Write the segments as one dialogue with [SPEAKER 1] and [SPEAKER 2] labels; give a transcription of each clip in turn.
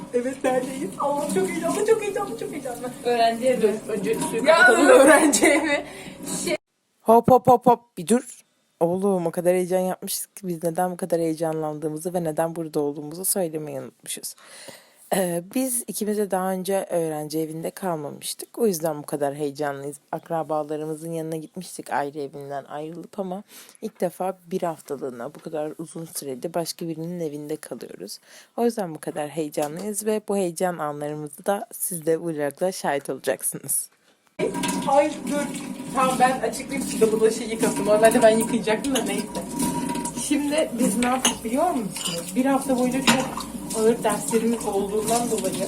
[SPEAKER 1] Evet neredeyiz? Allah'ım çok heyecanlı, çok heyecanlı, çok heyecanlı.
[SPEAKER 2] Öğrenci evi.
[SPEAKER 1] Önce suyu kapatalım öğrenci evi.
[SPEAKER 3] Hop hop hop hop bir dur. Oğlum o kadar heyecan yapmışız ki biz neden bu kadar heyecanlandığımızı ve neden burada olduğumuzu söylemeyi unutmuşuz. Biz ikimiz de daha önce öğrenci evinde kalmamıştık. O yüzden bu kadar heyecanlıyız. Akrabalarımızın yanına gitmiştik ayrı evinden ayrılıp ama ilk defa bir haftalığına bu kadar uzun sürede başka birinin evinde kalıyoruz. O yüzden bu kadar heyecanlıyız ve bu heyecan anlarımızı da siz de vlogda şahit olacaksınız.
[SPEAKER 1] Ay dur. Tamam ben açıklayayım size bulaşığı yıkasın. Normalde ben yıkayacaktım da neyse. Şimdi biz ne yaptık biliyor musunuz? Bir hafta boyunca çok ağır derslerimiz olduğundan dolayı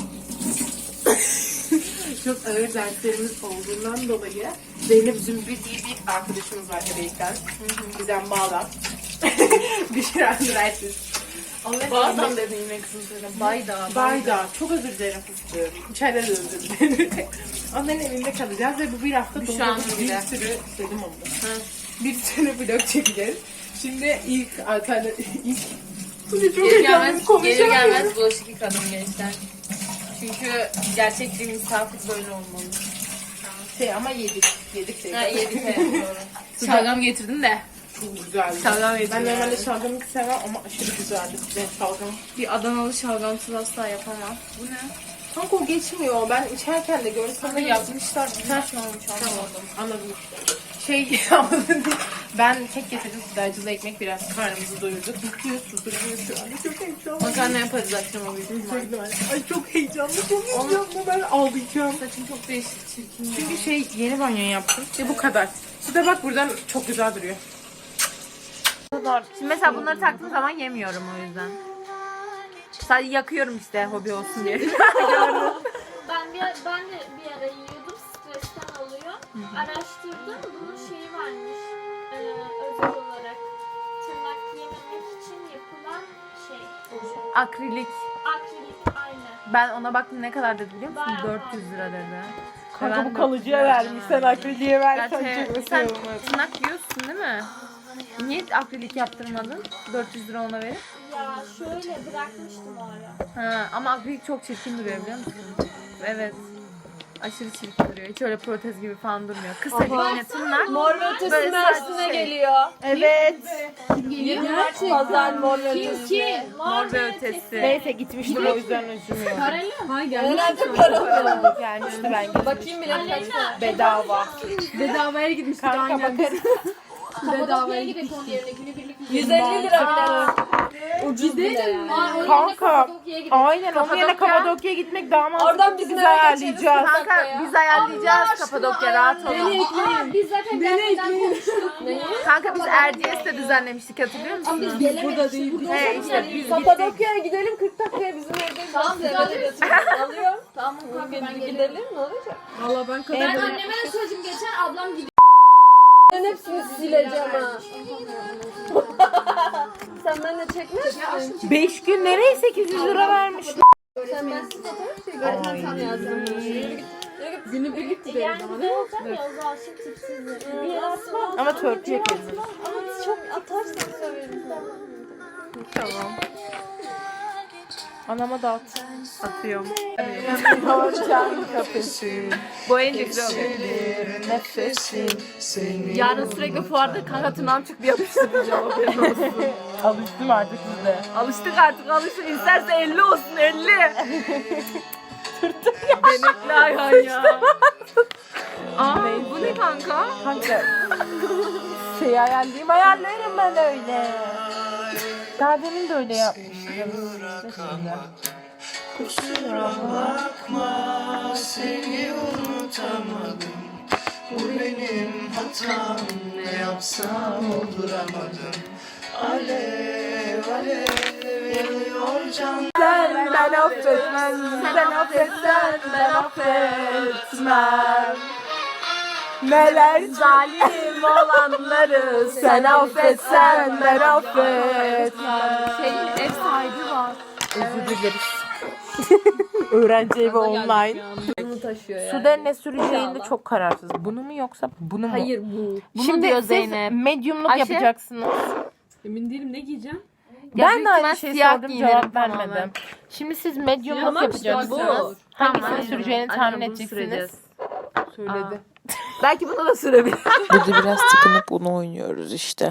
[SPEAKER 1] Zeynep Zümrü diye bir arkadaşımız var Ereğlik'ten. Bizden Bağdan. Büşra Nuraysiz.
[SPEAKER 2] Bağdan dediğime kızım söyle.
[SPEAKER 1] Bayda. Çok özür dilerim fıstığım. İçeride de özür dilerim. Onların evinde kalacağız ve bu bir hafta
[SPEAKER 2] Büşra
[SPEAKER 1] dolu bir
[SPEAKER 2] Nur'da.
[SPEAKER 1] sürü dedim onu. Bir sürü vlog çekeceğiz. Şimdi ilk Bu ne çok
[SPEAKER 2] Geri
[SPEAKER 1] heyecanlıyım,
[SPEAKER 2] gelmez, geri
[SPEAKER 1] konuşamıyorum.
[SPEAKER 2] gelmez bulaşık yıkadım gençler. Çünkü gerçek bir misafir böyle olmalı.
[SPEAKER 1] Ama yedik. Yedik de.
[SPEAKER 2] Ha yedik evet doğru. Şalgam getirdim de.
[SPEAKER 1] Çok güzeldi.
[SPEAKER 2] Şalgam
[SPEAKER 1] Ben
[SPEAKER 2] getirdim.
[SPEAKER 1] normalde şalgamı sevmem ama aşırı güzeldi. Ben şalgam.
[SPEAKER 2] Bir Adanalı şalgamsız asla yapamam. Bu ne?
[SPEAKER 1] Kanka o geçmiyor. Ben içerken de gördüm.
[SPEAKER 2] Sana yapmışlar. Güzel şey olmuş anlamadım.
[SPEAKER 1] Anladım işte. Anladın değil. Ben kek getirdim. Sıdacılı ekmek biraz karnımızı doyurduk. Mutluyuz, susturuyoruz şu anda. Çok heyecanlı.
[SPEAKER 2] Makarna yaparız akşama büyük ihtimalle.
[SPEAKER 1] Ay çok heyecanlı. Çok heyecanlı. Ben ağlayacağım.
[SPEAKER 2] Saçım çok değişik çirkin.
[SPEAKER 1] Çünkü yeni banyo yaptım. Ve bu kadar. Bir de bak buradan çok güzel duruyor.
[SPEAKER 2] Şimdi mesela bunları taktığım zaman yemiyorum o yüzden. Sadece yakıyorum işte hobi olsun diye.
[SPEAKER 4] Ben de bir ara yiyordum, stresten oluyor. Araştırdım, bunun şeyi varmış, özel olarak tırnak yememek için yapılan şey.
[SPEAKER 2] Akrilik.
[SPEAKER 4] Akrilik, aynen.
[SPEAKER 2] Ben ona baktım ne kadar dedi biliyor musun?
[SPEAKER 4] Bayağı
[SPEAKER 2] 400 lira dedi.
[SPEAKER 1] Kanka
[SPEAKER 2] Ben
[SPEAKER 1] bu kalıcıya
[SPEAKER 2] 400 lira
[SPEAKER 1] vermiş. Sen akriliğe versen
[SPEAKER 2] Gerçi
[SPEAKER 1] çok
[SPEAKER 2] sen
[SPEAKER 1] mesela olmaz.
[SPEAKER 2] tırnak yiyorsun değil mi? Niye akrilik yaptırmadın? 400 lira ona verip.
[SPEAKER 4] Ya şöyle bırakmıştım o ara.
[SPEAKER 2] Ha, ama akrilik çok çirkin duruyor biliyor musun? Evet. Aşırı çirkin duruyor. Hiç öyle protez gibi falan durmuyor. Kısa yine tırnak.
[SPEAKER 5] Mor ve
[SPEAKER 2] Böyle
[SPEAKER 5] ötesi Mersin'e
[SPEAKER 2] sadece şey.
[SPEAKER 5] geliyor.
[SPEAKER 1] Evet.
[SPEAKER 5] 20 Mart pazar mor ve ötesi.
[SPEAKER 2] Mor ve ötesi.
[SPEAKER 1] Neyse gitmiştim o yüzden üzülmüyorum.
[SPEAKER 5] Herhalde paralı.
[SPEAKER 1] Gelmişti ben gitmiştim.
[SPEAKER 5] Bakayım bile
[SPEAKER 1] Bedava.
[SPEAKER 2] Bedavaya gitmiştik
[SPEAKER 1] Kanka bakarız.
[SPEAKER 4] Kapadokya'ya gidelim onun yerine, günübirlik
[SPEAKER 5] 150 lira bile. Ucuz bile yani.
[SPEAKER 1] Kanka. Aynen onun
[SPEAKER 2] Kapadokya.
[SPEAKER 1] yerine Kapadokya'ya gitmek daha mantıklı.
[SPEAKER 5] Oradan bizim
[SPEAKER 1] Biz
[SPEAKER 5] eve
[SPEAKER 1] ayarlayacağız.
[SPEAKER 2] Kanka biz ayarlayacağız Kapadokya rahat ol.
[SPEAKER 4] Biz zaten gelmeden konuştuk.
[SPEAKER 2] Kanka biz Erciyes'te düzenlemiştik hatırlıyor musun?
[SPEAKER 4] Biz gelemedik.
[SPEAKER 2] He işte biz gittik.
[SPEAKER 5] Kapadokya'ya gidelim 40 dakikaya bizim evdeyiz.
[SPEAKER 4] Tamam,
[SPEAKER 5] Size
[SPEAKER 4] gidelim.
[SPEAKER 5] eve götürün. Alıyorum.
[SPEAKER 4] Tamam kanka ben gelirim.
[SPEAKER 5] Gidelim ne olacak?
[SPEAKER 4] Ben anneme de söyledim geçen ablam gidiyor.
[SPEAKER 5] Ben hepsini sileceğim ha. Sen benimle çekmez misin?
[SPEAKER 1] 5 gün nereye 800 lira vermiş?
[SPEAKER 5] Sen ben size fotoğraf çekiyorum. Ben sana yazdım. Günü birlik gidelim
[SPEAKER 4] Yani
[SPEAKER 5] ama.
[SPEAKER 4] güzel olacak ya o zaman şimdi tipsiz. Bir yere atmam.
[SPEAKER 1] Ama törpü yapıyoruz.
[SPEAKER 5] Ama çok atarsan söyleriz.
[SPEAKER 1] Tamam. Anama dağıt.
[SPEAKER 2] Atıyorum.
[SPEAKER 1] Hocam kapışın.
[SPEAKER 2] Bu en güzel oluyor.
[SPEAKER 1] Nefesin seni.
[SPEAKER 2] Yarın sürekli fuarda kanka tırnağım çıktı yapıştıracağım haberin olsun.
[SPEAKER 1] Alıştım artık size.
[SPEAKER 2] Alıştık artık alıştık. İsterse 50 olsun 50. Benekli ayhan ya. Aa bu ne kanka?
[SPEAKER 1] Kanka. Ayarlarım ben öyle. Daha demin de öyle yapmıştım.
[SPEAKER 6] Kusura bakma seni unutamadım. Bu benim hatam, ne yapsam olduramadım. Alev alev yanıyor can.
[SPEAKER 1] Ben affetmem, sen affetsen ben affetmem. Neler
[SPEAKER 2] Zalim olanları
[SPEAKER 1] sen affetsen ben affetmem.
[SPEAKER 2] Ev sahibi var.
[SPEAKER 1] Özür dileriz. Öğrenci evi online.
[SPEAKER 5] Bunu taşıyor yani.
[SPEAKER 1] Suda ne süreceğinde çok kararsız. Bunu mu yoksa bunu mu?
[SPEAKER 5] Hayır bu.
[SPEAKER 2] Bunu
[SPEAKER 1] Şimdi
[SPEAKER 2] diyor
[SPEAKER 1] siz
[SPEAKER 2] Zeynep.
[SPEAKER 1] medyumluk
[SPEAKER 2] Ayşe.
[SPEAKER 1] yapacaksınız.
[SPEAKER 7] Emin değilim ne giyeceğim?
[SPEAKER 3] Ben de aynı
[SPEAKER 2] ihtimal
[SPEAKER 3] şeyi
[SPEAKER 2] siyah
[SPEAKER 3] sordum
[SPEAKER 2] giyinerim
[SPEAKER 3] cevap
[SPEAKER 2] tamamen.
[SPEAKER 3] vermedim. Şimdi siz medium
[SPEAKER 5] Siyah
[SPEAKER 3] nasıl
[SPEAKER 5] işte
[SPEAKER 3] yapacaksınız?
[SPEAKER 5] bu.
[SPEAKER 3] Hangisini
[SPEAKER 2] Tamam.
[SPEAKER 3] süreceğini
[SPEAKER 2] Aynen,
[SPEAKER 3] tahmin
[SPEAKER 2] bunu
[SPEAKER 3] edeceksiniz.
[SPEAKER 2] süreceğiz.
[SPEAKER 1] Söyledi.
[SPEAKER 2] Belki bunu da sürebilir.
[SPEAKER 3] Burada biraz tıkınıp bunu oynuyoruz işte.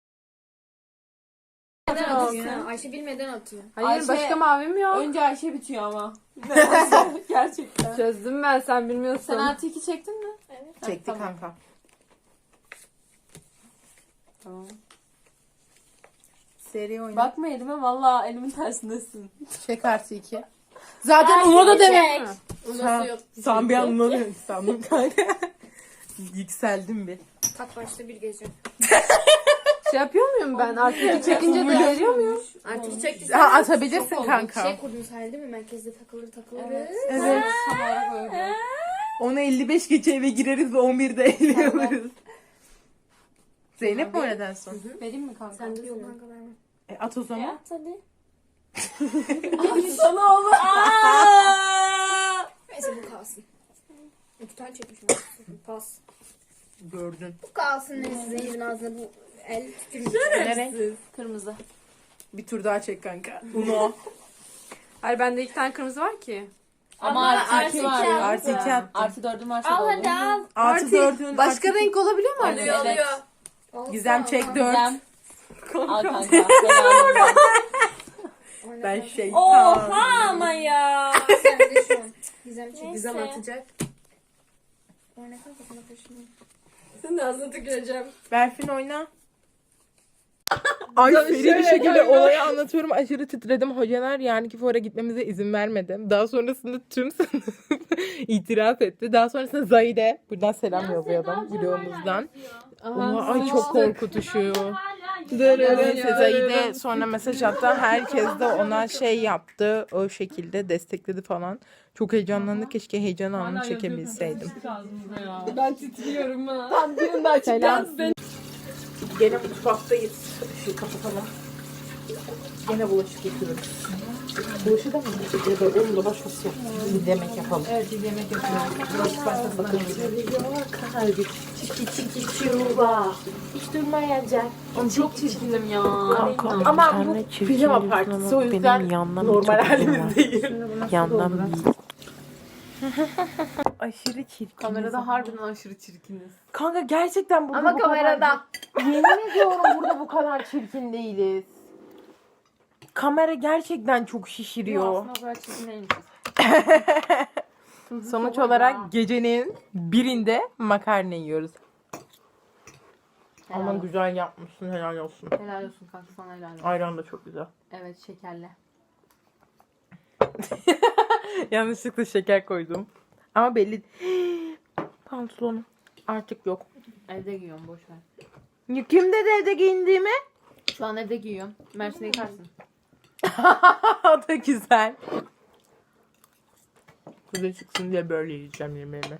[SPEAKER 5] Ayşe bilmeden atıyor.
[SPEAKER 1] Hayır
[SPEAKER 5] Ayşe-
[SPEAKER 1] başka mavim yok.
[SPEAKER 5] Önce Ayşe bitiyor ama.
[SPEAKER 1] Gerçekten.
[SPEAKER 5] Çözdüm ben, sen bilmiyorsun.
[SPEAKER 1] Sen artı 2 çektin mi?
[SPEAKER 3] Çekti
[SPEAKER 1] tamam.
[SPEAKER 3] kanka.
[SPEAKER 1] Tamam.
[SPEAKER 3] Seri oyna.
[SPEAKER 5] Bakma elime, valla elimin tersindesin.
[SPEAKER 1] Çek artı 2. Zaten Uno da demek mi?
[SPEAKER 5] Nasıl yok?
[SPEAKER 1] Sen bir an Uno demek sandım kanka. Yükseldim bir.
[SPEAKER 5] Tak başta bir gece.
[SPEAKER 1] Şey yapıyor muyum ben? Artı 2 çekince de veriyor muyum?
[SPEAKER 5] Artık çekti.
[SPEAKER 1] Ha, atabilirsin kanka.
[SPEAKER 5] Şey kurdunuz herhalde değil mi? Merkezde takılır.
[SPEAKER 1] Evet.
[SPEAKER 5] Tam olarak öyle.
[SPEAKER 1] Ona 55 geçe eve gireriz ve 11'de eğleniyoruz. Zeynep mi oynadı en son?
[SPEAKER 5] Vereyim mi kanka? Sen de yok kanka verme.
[SPEAKER 1] At o zaman.
[SPEAKER 5] Hadi. Sana olur. Neyse bu kalsın. 2 tane çekmişim. Pas.
[SPEAKER 1] Gördün.
[SPEAKER 5] Bu kalsın neyse. Zeynep'in ağzına bu el tükürmüş.
[SPEAKER 1] Ne renk?
[SPEAKER 5] Kırmızı.
[SPEAKER 1] Bir tur daha çek kanka. Uno.
[SPEAKER 7] Hayır bende 2 tane kırmızı var ki.
[SPEAKER 5] Ama artı 2 var.
[SPEAKER 1] Artı 2 attım.
[SPEAKER 7] Artı 4'üm varsa
[SPEAKER 5] Al hadi al.
[SPEAKER 1] Artı 4'ün.
[SPEAKER 7] Başka renk olabiliyor mu?
[SPEAKER 5] Oluyor oluyor.
[SPEAKER 1] Gizem çek 4.
[SPEAKER 7] Al kanka.
[SPEAKER 1] Ben şey.
[SPEAKER 5] Oha ama ya. Sen de şu an. Gizem çek.
[SPEAKER 4] Gizem
[SPEAKER 5] atacak. Oyna kanka sana taşınıyor. Sen de ağzına tüküreceğim.
[SPEAKER 1] Berfin oyna. Ay seri bir şekilde olayı anlatıyorum. Aşırı titredim. Hocalar yani ki fora gitmemize izin vermedi. Daha sonrasında tüm sınıf itiraf etti. Daha sonrasında Zahide. Buradan selam yollayalım videomuzdan. Ay çok korkutuşu. Neyse Zahide sonra mesaj attı. Herkes de ona şey yaptı. O şekilde destekledi falan. Çok heyecanlandı. Keşke heyecan anını çekebilseydim.
[SPEAKER 5] Ben titriyorum ha.
[SPEAKER 1] Selam. Gene mutfaktayız. Şu kapatalım. Gene bulaşık yıkıyoruz. Bulaşık da mı? Ya da onu da başkası yapalım. Bir yemek yapalım. Evet bir yemek yapalım. Bulaşık başkası bakalım.
[SPEAKER 4] Hiç durmayacak.
[SPEAKER 7] Çok çirkinim ya.
[SPEAKER 1] Ama bu pijama partisi o yüzden normal halimizdeyiz.
[SPEAKER 3] Yandan aşırı çirkin.
[SPEAKER 7] Kamerada harbiden aşırı çirkiniz.
[SPEAKER 1] Kanka gerçekten burada
[SPEAKER 5] Ama
[SPEAKER 1] bu
[SPEAKER 5] kamerada.
[SPEAKER 1] kadar... Yemin ediyorum burada bu kadar çirkin değiliz. Kamera gerçekten çok şişiriyor.
[SPEAKER 7] Aslında o kadar çirkin değilmiş.
[SPEAKER 1] Sonuç olarak gecenin birinde makarna yiyoruz. Ama güzel yapmışsın, helal olsun.
[SPEAKER 7] Helal olsun kanka, sana helal olsun.
[SPEAKER 1] Ayran da çok güzel.
[SPEAKER 7] Evet, şekerli.
[SPEAKER 1] Yanlışlıkla şeker koydum. Ama belli. Pantolonum artık yok.
[SPEAKER 7] Evde giyiyorum, boş ver.
[SPEAKER 1] Kim dedi evde giyindiğimi?
[SPEAKER 7] Şu an evde giyiyorum. Mersin'de yıkarsın.
[SPEAKER 1] O da güzel. Kuzey çıksın diye böyle yiyeceğim yemeğimi.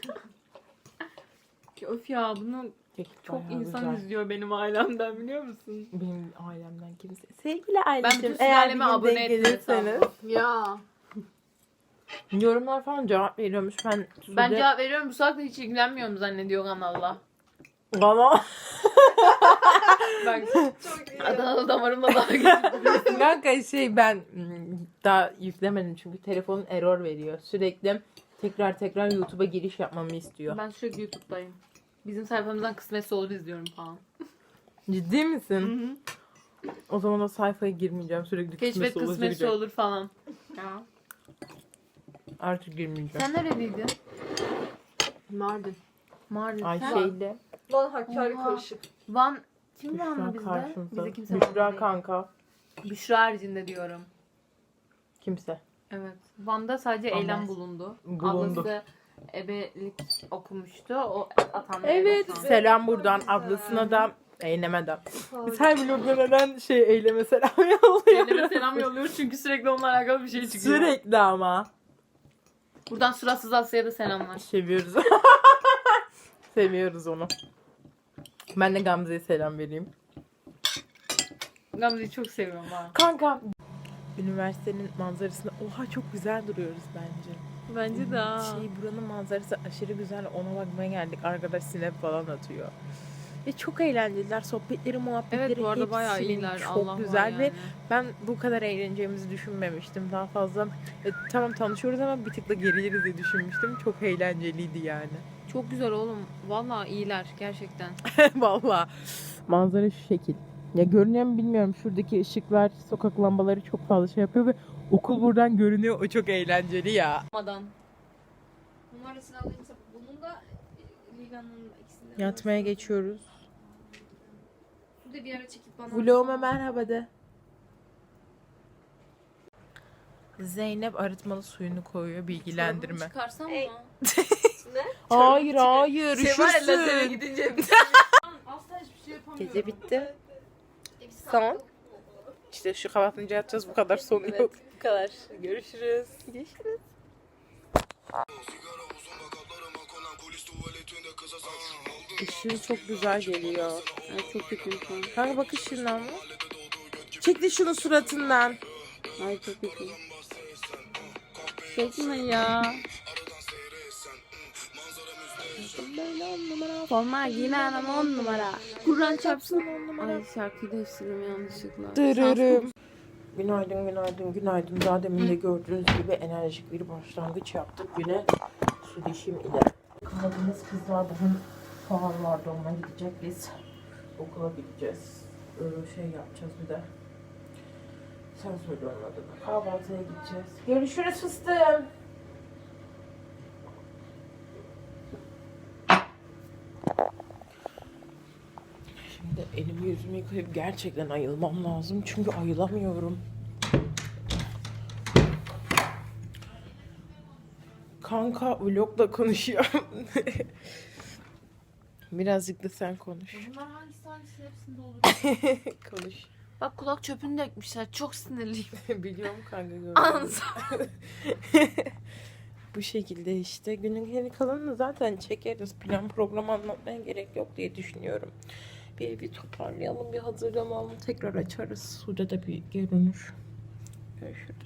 [SPEAKER 7] Öf ya, bunu çok insan izliyor benim ailemden, biliyor musun?
[SPEAKER 1] Benim ailemden kimse. Sevgili
[SPEAKER 7] Ben
[SPEAKER 1] aileciğim
[SPEAKER 7] bütün
[SPEAKER 1] eğer bir
[SPEAKER 7] sülaleme
[SPEAKER 1] gün
[SPEAKER 7] abone
[SPEAKER 1] denk
[SPEAKER 7] ettim
[SPEAKER 1] gelirseniz
[SPEAKER 7] hesabı.
[SPEAKER 5] Ya.
[SPEAKER 1] yorumlar falan cevap veriyormuş.
[SPEAKER 7] Ben cevap veriyorum, bu saatte hiç ilgilenmiyorum zannediyor kanalda.
[SPEAKER 1] Bana
[SPEAKER 7] Ben Adanalı damarımla daha geçtim.
[SPEAKER 1] kanka ben daha yüklemedim çünkü telefonun error veriyor. Sürekli tekrar YouTube'a giriş yapmamı istiyor.
[SPEAKER 7] Ben sürekli YouTube'dayım. Bizim sayfamızdan kısmetse olur izliyorum falan.
[SPEAKER 1] Ciddi misin? O zaman o sayfaya girmeyeceğim. Sürekli
[SPEAKER 7] Keşfet
[SPEAKER 1] kısmetse
[SPEAKER 7] kısmetse
[SPEAKER 1] olur.
[SPEAKER 7] olur falan. Ya.
[SPEAKER 1] Artık girmeyeceğim.
[SPEAKER 7] Sen nereliydin?
[SPEAKER 5] Mardin.
[SPEAKER 7] Mardin.
[SPEAKER 1] Ay
[SPEAKER 7] Sen-
[SPEAKER 1] şeyle.
[SPEAKER 5] Van Hakkari
[SPEAKER 7] Oha.
[SPEAKER 5] karışık.
[SPEAKER 7] Van. Kim Vanlı
[SPEAKER 1] Büşra
[SPEAKER 7] bizde?
[SPEAKER 1] karşımıza.
[SPEAKER 7] Bize kimse
[SPEAKER 1] Büşra
[SPEAKER 7] Vanlı değil.
[SPEAKER 1] kanka.
[SPEAKER 7] Büşra haricinde diyorum.
[SPEAKER 1] Kimse.
[SPEAKER 7] Evet. Van'da sadece
[SPEAKER 1] Ama-
[SPEAKER 7] eylem bulundu.
[SPEAKER 1] Bulundu.
[SPEAKER 7] Ablası ebelik okumuştu. O atandı.
[SPEAKER 1] Evet. Selam buradan ablasına da eyleme de. Biz her vlogda neden eyleme selam yolluyoruz.
[SPEAKER 7] Eyleme selam yolluyoruz çünkü sürekli onunla alakalı bir şey çıkıyor.
[SPEAKER 1] Sürekli ama.
[SPEAKER 7] Buradan suratsız Asya'ya da selamlar.
[SPEAKER 1] Seviyoruz. Seviyoruz onu. Ben de Gamze'ye selam vereyim.
[SPEAKER 7] Gamze'yi çok seviyorum ha.
[SPEAKER 1] Kanka. Üniversitenin manzarasında oha çok güzel duruyoruz bence.
[SPEAKER 7] Bence de
[SPEAKER 1] Buranın manzarası aşırı güzel. Ona bakmaya geldik. Arkadaş sinep falan atıyor.
[SPEAKER 3] Ve çok eğlenceliler. Sohbetleri, muhabbetleri
[SPEAKER 7] Evet bu arada
[SPEAKER 3] hepsinin
[SPEAKER 7] bayağı iyiler.
[SPEAKER 3] çok
[SPEAKER 7] Allah
[SPEAKER 3] güzel
[SPEAKER 7] var
[SPEAKER 3] ve
[SPEAKER 7] yani.
[SPEAKER 3] ben bu kadar eğleneceğimizi düşünmemiştim. Daha fazla tamam tanışıyoruz ama bir tık da geriliriz diye düşünmüştüm. Çok eğlenceliydi yani.
[SPEAKER 7] Çok güzel oğlum. Vallahi iyiler gerçekten.
[SPEAKER 3] Vallahi. Manzara şu şekil. Ya görünüyor mu bilmiyorum. Şuradaki ışıklar, sokak lambaları çok fazla şey yapıyor ve okul buradan görünüyor. O çok eğlenceli ya.
[SPEAKER 7] Madan.
[SPEAKER 5] Numarasını alayım. Bunun da Liga'nın ikisinde.
[SPEAKER 3] Yatmaya geçiyoruz.
[SPEAKER 5] Bu da bir ara çekip bana.
[SPEAKER 3] Vloguma merhaba de. Zeynep arıtmalı suyunu koyuyor. Bilgilendirme.
[SPEAKER 7] Çıkarsam mı?
[SPEAKER 3] Hayır hayır. Üşürsün.
[SPEAKER 7] gidince
[SPEAKER 5] Asla hiçbir şey yapamıyorum.
[SPEAKER 3] Gece bitti.
[SPEAKER 5] Bir saat
[SPEAKER 3] Son.
[SPEAKER 5] yok.
[SPEAKER 3] İşte şu kapatınca yatacağız. Bu kadar sonu yok. Bu kadar. Görüşürüz. Görüşürüz. Işığı çok güzel geliyor.
[SPEAKER 7] Ay çok kötü şu an.
[SPEAKER 3] Kanka bak ışığından mı? Çekti şunu suratından.
[SPEAKER 7] Ay çok kötü. Çekme ya. Forma giyinen ama 10 numara. Kur'an çarpsın. Ay şarkıyı değiştirdim yanlışlıkla.
[SPEAKER 3] Dırırım. Günaydın, günaydın, günaydın. Daha demin de gördüğünüz gibi enerjik bir başlangıç yaptık güne su dişim ile. Kaldığımız kızlar bugün fuar vardı, ona gidecek, biz okula gideceğiz. Şey yapacağız bir de. Sen söyle onun adını. Kahvaltıya gideceğiz. Görüşürüz fıstığım. Şimdi elimi yüzümü yıkayıp gerçekten ayılmam lazım. Çünkü ayılamıyorum. Kanka vlogla konuşuyor. Birazcık da sen konuş.
[SPEAKER 7] Bunlar hangisi hepsinde olur.
[SPEAKER 3] Konuş.
[SPEAKER 7] Bak kulak çöpünü dökmüşler. Çok sinirliyim.
[SPEAKER 3] Biliyorum kanka gördüm.
[SPEAKER 7] Anza.
[SPEAKER 3] Bu şekilde işte. Günün geri kalanını zaten çekeriz. Plan program anlatmaya gerek yok diye düşünüyorum. Bir evi toparlayalım, bir hazırlanalım. Tekrar açarız. Suda da bir görünür. Görüşürüz.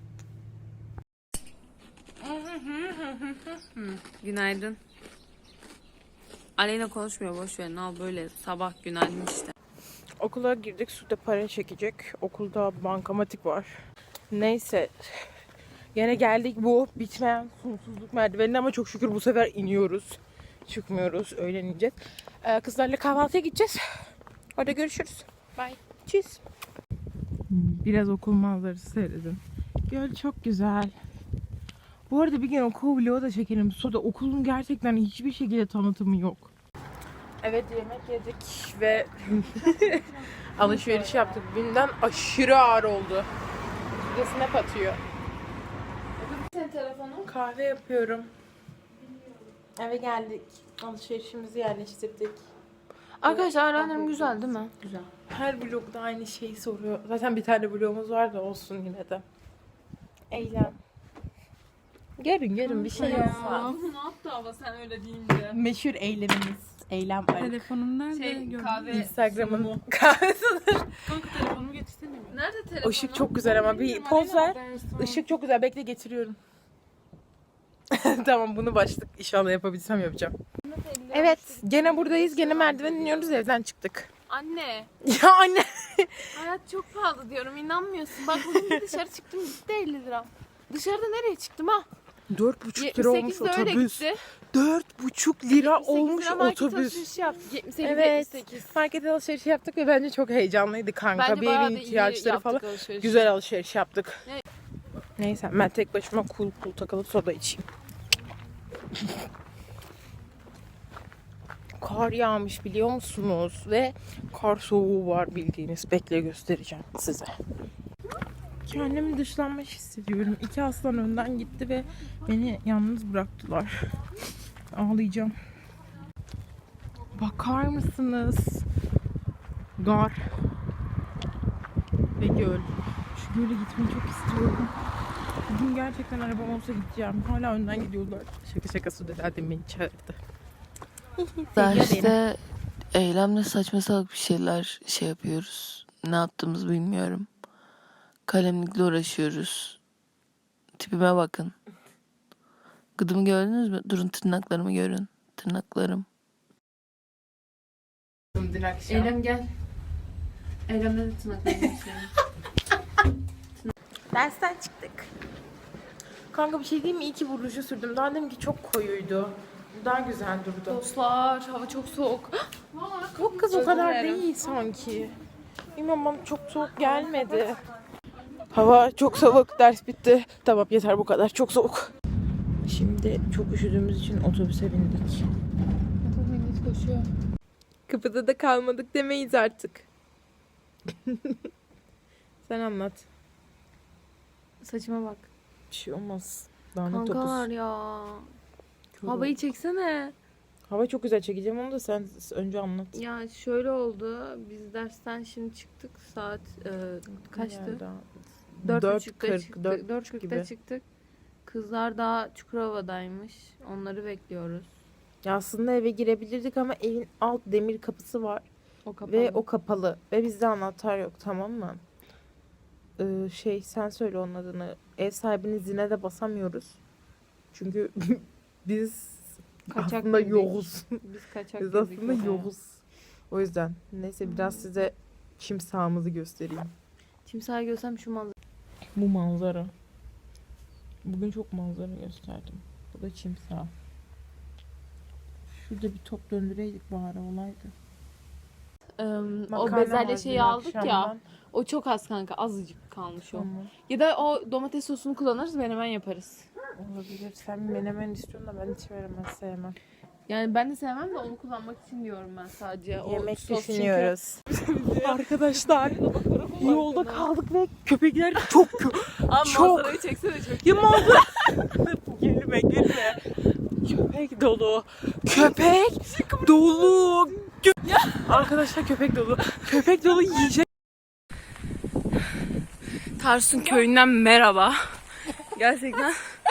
[SPEAKER 7] Günaydın. Aleyna konuşmuyor boş ver. Ne al böyle sabah günaydın işte.
[SPEAKER 3] Okula girdik. Suda para çekecek. Okulda bankamatik var. Neyse. Gene geldik bu bitmeyen sonsuzluk merdivenine ama çok şükür bu sefer iniyoruz. Çıkmıyoruz. Öğlen ineceğiz. Kızlarla kahvaltıya gideceğiz. Orada görüşürüz. Bye. Cheers. Biraz okul manzarası seyredin. Göl çok güzel. Bu arada bir gün okul vlogu da çekelim. Sonra okulun gerçekten hiçbir şekilde tanıtımı yok. Evet yemek yedik ve alışveriş yaptık. Günden aşırı ağır oldu. Bir de snap atıyor.
[SPEAKER 5] Senin telefonun.
[SPEAKER 3] Kahve yapıyorum. Eve geldik. Alışverişimizi yerleştirdik.
[SPEAKER 7] Arkadaşlar öğrendim güzel değil mi? Güzel.
[SPEAKER 3] Her vlogda aynı şeyi soruyor. Zaten bir tane vlogumuz var da olsun yine de. Eylem. Görün bir şey olmaz.
[SPEAKER 7] Ne yaptı ama sen öyle deyince?
[SPEAKER 3] Meşhur eylemimiz. Eylem arı.
[SPEAKER 7] Telefonum nerede?
[SPEAKER 2] kahve
[SPEAKER 3] Instagram'ın kahvesidir.
[SPEAKER 7] Kanka telefonumu getirsene mi?
[SPEAKER 2] Nerede telefonu?
[SPEAKER 3] Işık çok güzel ama bir poz ver. Işık çok güzel. Bekle getiriyorum. Tamam bunu başlık inşallah yapabilsem yapacağım. Evet gene buradayız. Gene merdiven iniyoruz. Evden çıktık.
[SPEAKER 7] Anne,
[SPEAKER 3] Ya anne.
[SPEAKER 7] hayat çok pahalı diyorum inanmıyorsun. Bak bugün bir dışarı çıktım gitti 50 lira. Dışarıda nereye çıktım ha?
[SPEAKER 3] 4,5 lira olmuş
[SPEAKER 7] 78 de öyle
[SPEAKER 3] otobüs.
[SPEAKER 7] gitti.
[SPEAKER 3] 4,5 lira
[SPEAKER 7] 78
[SPEAKER 3] olmuş
[SPEAKER 7] lira market
[SPEAKER 3] otobüs.
[SPEAKER 7] alışverişi yaptık. 78,
[SPEAKER 3] Evet.
[SPEAKER 7] 78.
[SPEAKER 3] Market alışverişi yaptık ve bence çok heyecanlıydı kanka.
[SPEAKER 7] Bence
[SPEAKER 3] bir
[SPEAKER 7] bayağı
[SPEAKER 3] evin
[SPEAKER 7] da iyi
[SPEAKER 3] ihtiyaçları
[SPEAKER 7] yaptık
[SPEAKER 3] falan.
[SPEAKER 7] alışverişi.
[SPEAKER 3] Güzel alışveriş yaptık.
[SPEAKER 7] Ne?
[SPEAKER 3] Neyse ben tek başıma cool takılıp soda içeyim. Kar yağmış biliyor musunuz? Ve kar soğuğu var bildiğiniz. Bekle göstereceğim size. Kendimi dışlanmış hissediyorum. 2 aslan önden gitti ve beni yalnız bıraktılar. Ağlayacağım. Bakar mısınız? Gar. Ve göl. Şu göle gitmeyi çok istiyorum. Bugün gerçekten arabam olsa gideceğim. Hala önden gidiyorlar. Şaka su zaten beni çağırdı.
[SPEAKER 8] Daha işte eylemle saçma salak bir şeyler şey yapıyoruz. Ne yaptığımızı bilmiyorum. Kalemlikle uğraşıyoruz. Tipime bakın. Gıdımı gördünüz mü? Durun tırnaklarımı görün. Tırnaklarım.
[SPEAKER 1] Dün akşam.
[SPEAKER 2] Eylem gel. Eylem'le de tırnaklarını geçirelim.
[SPEAKER 3] Dersten çıktık. Kanka bir şey diyeyim mi? İyi ki bu ruju sürdüm. Daha deminki çok koyuydu. Bu daha güzel durdu.
[SPEAKER 2] Dostlar hava çok soğuk.
[SPEAKER 3] Yok kız o
[SPEAKER 2] Özür
[SPEAKER 3] kadar
[SPEAKER 2] dilerim.
[SPEAKER 3] değil sanki. Bilmem bana çok soğuk gelmedi. Hava çok soğuk, ders bitti. Tamam yeter bu kadar, çok soğuk. Şimdi çok üşüdüğümüz için otobüse bindik.
[SPEAKER 2] Koşuyor.
[SPEAKER 3] Kapıda da kalmadık demeyiz artık. Sen anlat.
[SPEAKER 2] Saçıma bak.
[SPEAKER 3] Bir şey olmaz. Lanet
[SPEAKER 2] Kankalar
[SPEAKER 3] topuz.
[SPEAKER 2] ya.
[SPEAKER 3] Kör
[SPEAKER 2] Havayı
[SPEAKER 3] olduk.
[SPEAKER 2] çeksene.
[SPEAKER 3] Hava çok güzel, çekeceğim onu da sen önce anlat.
[SPEAKER 2] Ya şöyle oldu. Biz dersten şimdi çıktık. Saat kaçtı? 4.30'da çıktık. 4.40'da
[SPEAKER 3] gibi.
[SPEAKER 2] çıktık. Kızlar daha Çukurova'daymış. Onları bekliyoruz.
[SPEAKER 3] Ya aslında eve girebilirdik ama evin alt demir kapısı var.
[SPEAKER 2] O kapalı.
[SPEAKER 3] Ve o kapalı. Ve bizde anahtar yok, tamam mı? Sen söyle onun adını. Ev sahibinin zile de basamıyoruz. Çünkü biz
[SPEAKER 2] Kaçak
[SPEAKER 3] aslında
[SPEAKER 2] girdik.
[SPEAKER 3] yokuz.
[SPEAKER 2] Biz kaçak
[SPEAKER 3] Biz
[SPEAKER 2] girdik
[SPEAKER 3] aslında
[SPEAKER 2] oraya.
[SPEAKER 3] yokuz. O yüzden neyse biraz size çim sahamızı göstereyim.
[SPEAKER 2] Timsahı görsem şu manzara.
[SPEAKER 3] Bu manzara. Bugün çok manzara gösterdim. Bu da çim saha. Şurada bir top döndüreydik bari olaydı.
[SPEAKER 2] O
[SPEAKER 3] Makarna
[SPEAKER 2] bezelye
[SPEAKER 3] var
[SPEAKER 2] şeyi
[SPEAKER 3] dün
[SPEAKER 2] aldık ya.
[SPEAKER 3] akşamdan.
[SPEAKER 2] O çok az kanka. Azıcık kalmış o.
[SPEAKER 3] Tamam.
[SPEAKER 2] Ya da o domates sosunu kullanırız. Menemen yaparız.
[SPEAKER 3] Olabilir. Sen menemen istiyorsun da ben hiç veremez sevmem.
[SPEAKER 2] Yani ben de sevmem de onu kullanmak için diyorum ben sadece. O
[SPEAKER 3] Yemek
[SPEAKER 2] sos çünkü-
[SPEAKER 3] düşünüyoruz. Arkadaşlar yolda kaldık ve köpekler çok
[SPEAKER 2] Ama
[SPEAKER 3] Çok.
[SPEAKER 2] manzarayı çeksene çok.
[SPEAKER 3] ya manzara. Gülme. Köpek dolu. Köpek dolu. Arkadaşlar köpek dolu. Köpek dolu yiyecek.
[SPEAKER 2] Tarsun köyünden merhaba. Gerçekten